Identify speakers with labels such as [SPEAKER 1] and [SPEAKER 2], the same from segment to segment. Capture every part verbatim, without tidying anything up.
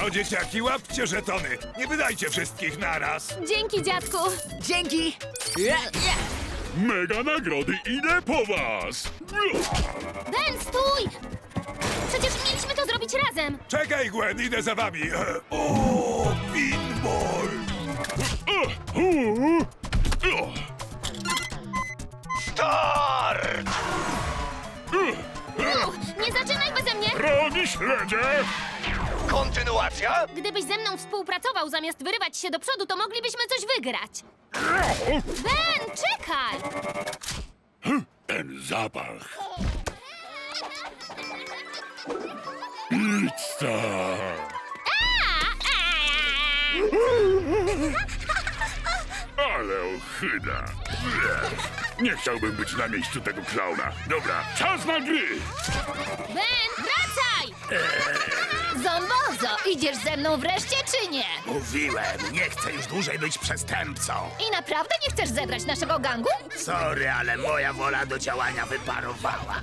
[SPEAKER 1] No dzieciaki, łapcie żetony. Nie wydajcie wszystkich naraz.
[SPEAKER 2] Dzięki, dziadku.
[SPEAKER 3] Dzięki! Ja, ja.
[SPEAKER 4] Mega nagrody idę po was!
[SPEAKER 2] Ben, stój! Przecież mieliśmy to zrobić razem.
[SPEAKER 1] Czekaj, Gwen, idę za wami. E, O, pinball! Start!
[SPEAKER 2] Nie zaczynaj beze mnie!
[SPEAKER 4] Rogi śledzie!
[SPEAKER 1] Kontynuacja?
[SPEAKER 2] Gdybyś ze mną współpracował zamiast wyrywać się do przodu, to moglibyśmy coś wygrać. Ben, czekaj!
[SPEAKER 4] Ten zapach. Pizza! Ale ochyda. Nie chciałbym być na miejscu tego klauna. Dobra, czas na gry!
[SPEAKER 2] Ben, wracaj! Zombozo, idziesz ze mną wreszcie, czy nie?
[SPEAKER 5] Mówiłem, nie chcę już dłużej być przestępcą.
[SPEAKER 2] I naprawdę nie chcesz zebrać naszego gangu?
[SPEAKER 5] Sorry, ale moja wola do działania wyparowała.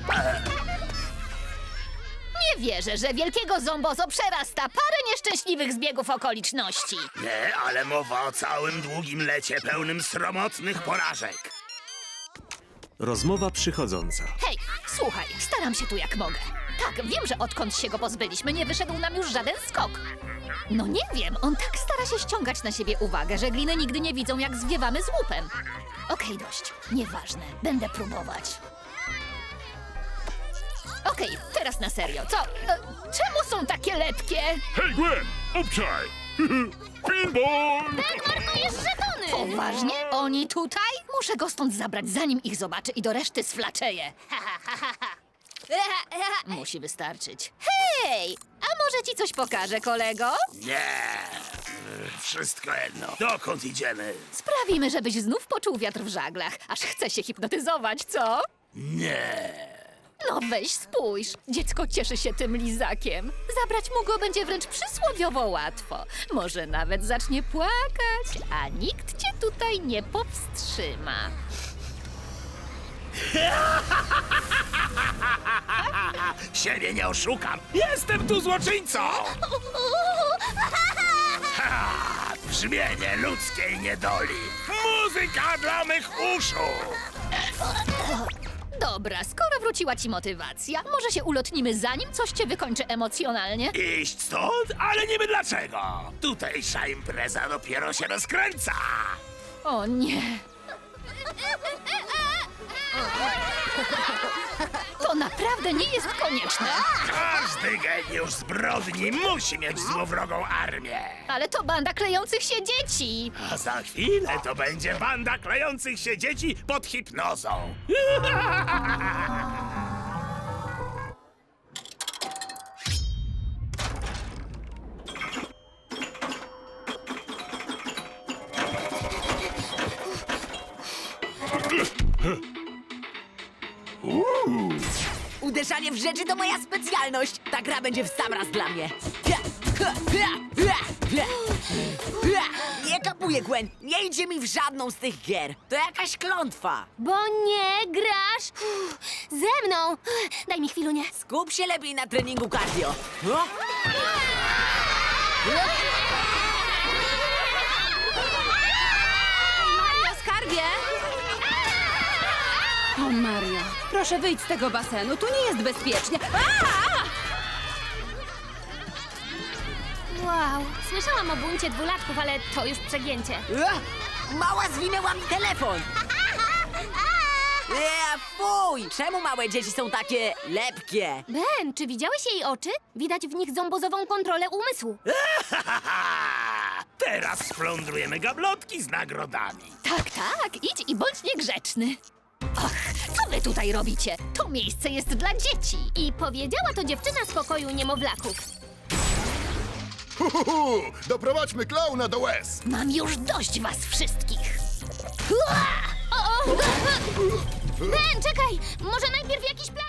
[SPEAKER 2] Nie wierzę, że wielkiego zombozo przerasta parę nieszczęśliwych zbiegów okoliczności.
[SPEAKER 5] Nie, ale mowa o całym długim lecie pełnym sromotnych porażek.
[SPEAKER 6] Rozmowa przychodząca.
[SPEAKER 2] Hej, słuchaj, staram się tu jak mogę. Tak, wiem, że odkąd się go pozbyliśmy, nie wyszedł nam już żaden skok. No nie wiem, on tak stara się ściągać na siebie uwagę, że gliny nigdy nie widzą, jak zwiewamy z łupem. Okej, dość. Nieważne. Będę próbować. Okej, teraz na serio. Co? E, czemu są takie lepkie?
[SPEAKER 4] Hej, Gwen! Obczaj! Pinball!
[SPEAKER 2] Ben, marnujesz żetony! Poważnie? Oni tutaj? Muszę go stąd zabrać, zanim ich zobaczę i do reszty sflaczeję. Musi wystarczyć. Hej! A może ci coś pokażę, kolego?
[SPEAKER 5] Nie, wszystko jedno. Dokąd idziemy?
[SPEAKER 2] Sprawimy, żebyś znów poczuł wiatr w żaglach, aż chce się hipnotyzować, co?
[SPEAKER 5] Nie.
[SPEAKER 2] No weź spójrz, dziecko cieszy się tym lizakiem. Zabrać mu go będzie wręcz przysłowiowo łatwo. Może nawet zacznie płakać, a nikt cię tutaj nie powstrzyma.
[SPEAKER 5] Siebie nie oszukam. Jestem tu złoczyńcą. Ha! Brzmienie ludzkiej niedoli. Muzyka dla mych uszu.
[SPEAKER 2] Dobra, skoro wróciła ci motywacja, może się ulotnimy zanim coś cię wykończy emocjonalnie?
[SPEAKER 5] Iść stąd, ale niby dlaczego. Tutejsza impreza dopiero się rozkręca.
[SPEAKER 2] O nie. To naprawdę nie jest konieczne.
[SPEAKER 5] Każdy geniusz zbrodni musi mieć złowrogą armię.
[SPEAKER 2] Ale to banda klejących się dzieci.
[SPEAKER 5] A za chwilę to będzie banda klejących się dzieci pod hipnozą.
[SPEAKER 3] Uderzanie w rzeczy to moja specjalność. Ta gra będzie w sam raz dla mnie. Nie kapuję, Gwen. Nie idzie mi w żadną z tych gier. To jakaś klątwa.
[SPEAKER 2] Bo nie grasz Uff, ze mną. Daj mi chwilunię.
[SPEAKER 3] Skup się lepiej na treningu cardio. No?
[SPEAKER 7] Mario, skarbie! O, Mario, proszę wyjdź z tego basenu, tu nie jest bezpiecznie. A!
[SPEAKER 2] Wow, słyszałam o buncie dwulatków, ale to już przegięcie.
[SPEAKER 3] Ua! Mała zwinęła mi telefon. Eee, fuj! Czemu małe dzieci są takie lepkie?
[SPEAKER 2] Ben, czy widziałeś jej oczy? Widać w nich zombozową kontrolę umysłu.
[SPEAKER 5] Teraz splądrujemy gablotki z nagrodami.
[SPEAKER 2] Tak, tak, idź i bądź niegrzeczny. Och, co wy tutaj robicie? To miejsce jest dla dzieci. I powiedziała to dziewczyna z pokoju niemowlaków.
[SPEAKER 8] Uhuhu, doprowadźmy klauna do łez!
[SPEAKER 2] Mam już dość was wszystkich. Ua! O, o! Ben, czekaj! Może najpierw jakiś plan...